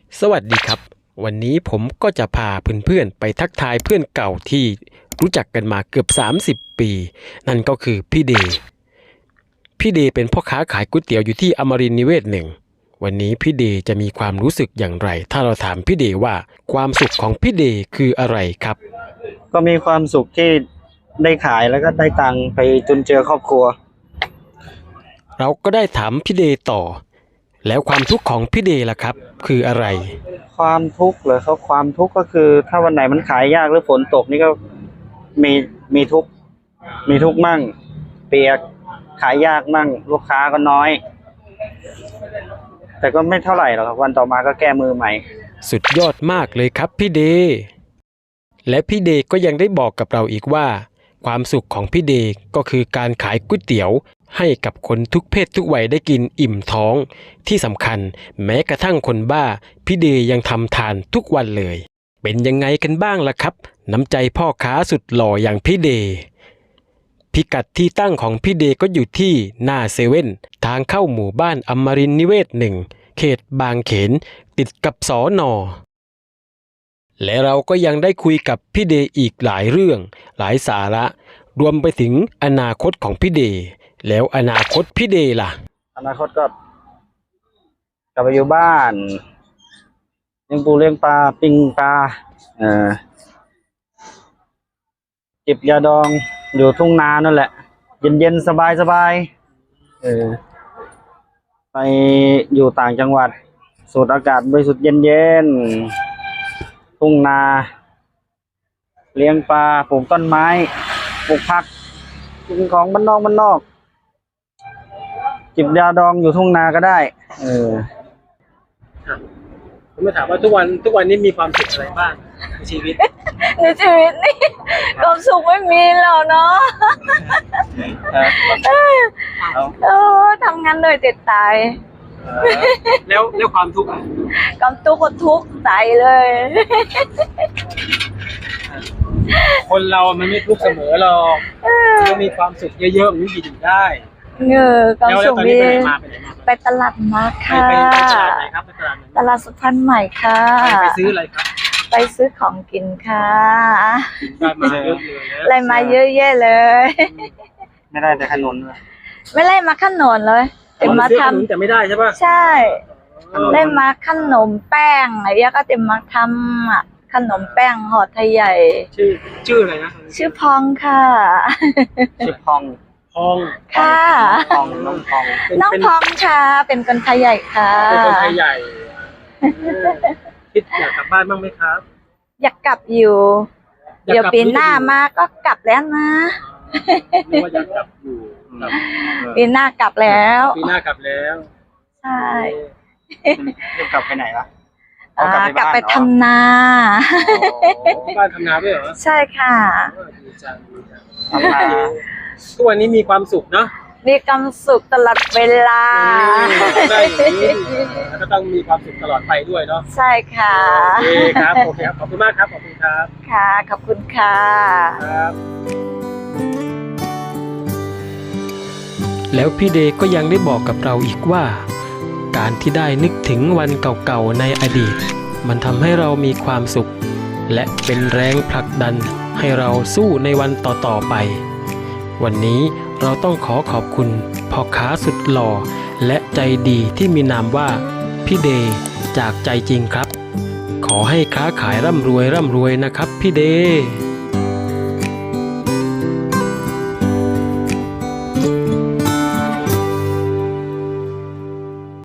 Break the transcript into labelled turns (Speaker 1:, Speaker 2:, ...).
Speaker 1: สวัสดีครับวันนี้ผมก็จะพาเพื่อนๆไปทักทายเพื่อนเก่าที่รู้จักกันมาเกือบ30 ปีนั่นก็คือพี่เดย์เป็นพ่อค้าขายก๋วยเตี๋ยวอยู่ที่อมรินทร์นิเวศ1วันนี้พี่เดย์จะมีความรู้สึกอย่างไรถ้าเราถามพี่เดย์ว่าความสุขของพี่เดย์คืออะไรครับ
Speaker 2: ก็มีความสุขที่ได้ขายแล้วก็ได้ตังค์ไปจุนเจือครอบครัว
Speaker 1: เราก็ได้ถามพี่เดย์ต่อแล้วความทุกข์ของพี่เดย์ล่ะครับคืออะไร
Speaker 2: ความทุกข์เหรอครับความทุกข์ก็คือถ้าวันไหนมันขายยากหรือฝนตกนี่ก็มีมีทุกข์มั่งเปียกขายยากมั่งลูกค้าก็น้อยแต่ก็ไม่เท่าไหร่หรอกครับวันต่อมาก็แก้มือใหม่
Speaker 1: สุดยอดมากเลยครับพี่เดย์และพี่เดย์ก็ยังได้บอกกับเราอีกว่าความสุขของพี่เดย์ก็คือการขายก๋วยเตี๋ยวให้กับคนทุกเพศทุกวัยได้กินอิ่มท้องที่สำคัญแม้กระทั่งคนบ้าพี่เดย์ยังทำทานทุกวันเลยเป็นยังไงกันบ้างล่ะครับน้ำใจพ่อค้าสุดหล่ออย่างพี่เดย์พิกัดที่ตั้งของพี่เดย์ก็อยู่ที่หน้าเซเว่นทางเข้าหมู่บ้านอมรินทร์นิเวศ1เขตบางเขนติดกับสน.และเราก็ยังได้คุยกับพี่เดย์อีกหลายเรื่องหลายสาระรวมไปถึงอนาคตของพี่เดย์แล้วอนาคตพี่เดย์ล่ะ
Speaker 2: อนาคตก็กลับไปอยู่บ้านเลี้ยงปูเลี้ยงปลาปิ้งปลาจิบยาดองอยู่ทุ่งนานั่นแหละเย็นๆสบายไปอยู่ต่างจังหวัดสูดอากาศบริสุทธิ์เย็นๆทุ่งนาเลี้ยงปลาปลูกต้นไม้ปลูกผักกินของบ้านนอกจิบยาดองอยู่ทุ่งนาก็ได้
Speaker 1: ผมมาถามว่าทุกวันนี้มีความสุขอะไรบ้างในชีวิต
Speaker 3: นี่ความสุขไม่มีแล้วเนาะทำงานเลยติดตาย
Speaker 1: แล้วความทุกข์
Speaker 3: ความทุกข์ก็ทุกข์ใจเลย
Speaker 1: คนเรามันไม่ทุกข์เสมอหรอกต้องมีความสุขเยอะๆมันถึงได้
Speaker 3: ความสุขดีไปตลาดมาค่ะ
Speaker 1: ไปตลาดไหนครับไป
Speaker 3: ตลาดสุพรรณใหม่ค่ะ
Speaker 1: ไปซื้ออะไรครับ
Speaker 3: ไปซื้อของกินค่ะ
Speaker 1: ได้มาเยอะเลย
Speaker 3: อะไรมาเยอะแยะเลย
Speaker 2: ไม่ได้แต่ขนม
Speaker 3: ไม่ได้มาขนมเลยแต่มาทำ
Speaker 1: แต่ไม่ได้ใช่ป่ะ
Speaker 3: ใช่ได้มาขนมแป้งอะไรอย่างก็จะมาทำขนมแป้งห่อไทยใหญ่
Speaker 1: ชื่ออะไรนะ
Speaker 3: ชื่อพองค่ะ
Speaker 2: ชื่อพอง
Speaker 3: ค่ะ
Speaker 2: น้องพอง
Speaker 3: ค่ะเป็นคนไทยใหญ่ค่ะ
Speaker 1: เป็นคนไทยใหญ่คิดอยากกลับบ้านบ้างไหมครับ
Speaker 3: อยากกลับอยู่เดี๋ยวปีหน้ามาก็กลับแล้วนะ
Speaker 1: ว่าอยากกลับอยู่
Speaker 3: ปีหน้ากลับแล้ว
Speaker 1: ใช่
Speaker 2: จะกลับไปไหนล่ะ
Speaker 3: กลับไปทำนา
Speaker 1: บ้านทำนาด้วยเหรอ
Speaker 3: ใช่ค่ะ
Speaker 2: ทำนา
Speaker 1: ทุกวันนี้มีความสุขเนาะ
Speaker 3: มีความสุขตลอดเวลา
Speaker 1: ได้ก็ต้องมีความสุขตลอดไปด้วยเนาะ
Speaker 3: ใช่ค่ะ
Speaker 1: โอเคครับขอบคุณมากครับขอบคุณครับ
Speaker 3: ค่ะขอบคุณค่ะ
Speaker 1: แล้วพี่เดย์ก็ยังได้บอกกับเราอีกว่าการที่ได้นึกถึงวันเก่าๆในอดีตมันทำให้เรามีความสุขและเป็นแรงผลักดันให้เราสู้ในวันต่อๆไปวันนี้เราต้องขอบคุณพ่อค้าสุดหล่อและใจดีที่มีนามว่าพี่เดย์จากใจจริงครับขอให้ค้าขายร่ำรวยนะครับพี่เดย์